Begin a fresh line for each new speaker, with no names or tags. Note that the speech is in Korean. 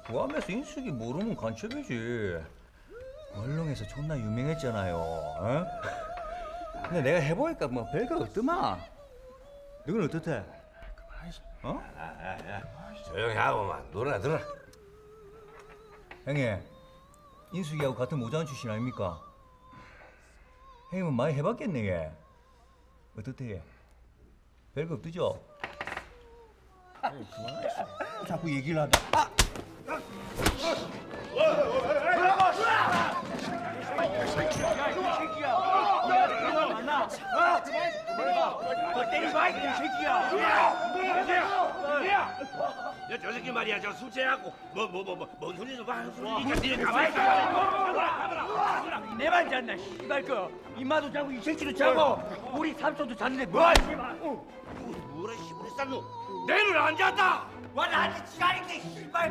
구암에서 인숙이 모르면 간첩이지. 얼렁에서 존나 유명했잖아요. 어? 근데 내가 해보니까 뭐 별거 없더만. 너는 어떻대? 어?
조용히 하고만 놀아 들어.
형님, 인숙이하고 같은 모장 출신 아닙니까? 형님은 많이 해봤겠네, 얘. 어떻대, 얘? 별거 없더죠? 자꾸 얘기를 하다. 아!
야, 저 새끼 말이야, 저 숙제하고 뭔 소리도 막 하는 소리니까 니네 가만히 있어.
내 말 잤나 씨발 거 이마도 자고 이 새끼도 자고 우리 삼촌도 잤는데 뭐 씨발
뭐라 씨부리 쌌노? 내는 안 잤다.
와 나한테 지랄이게 씨발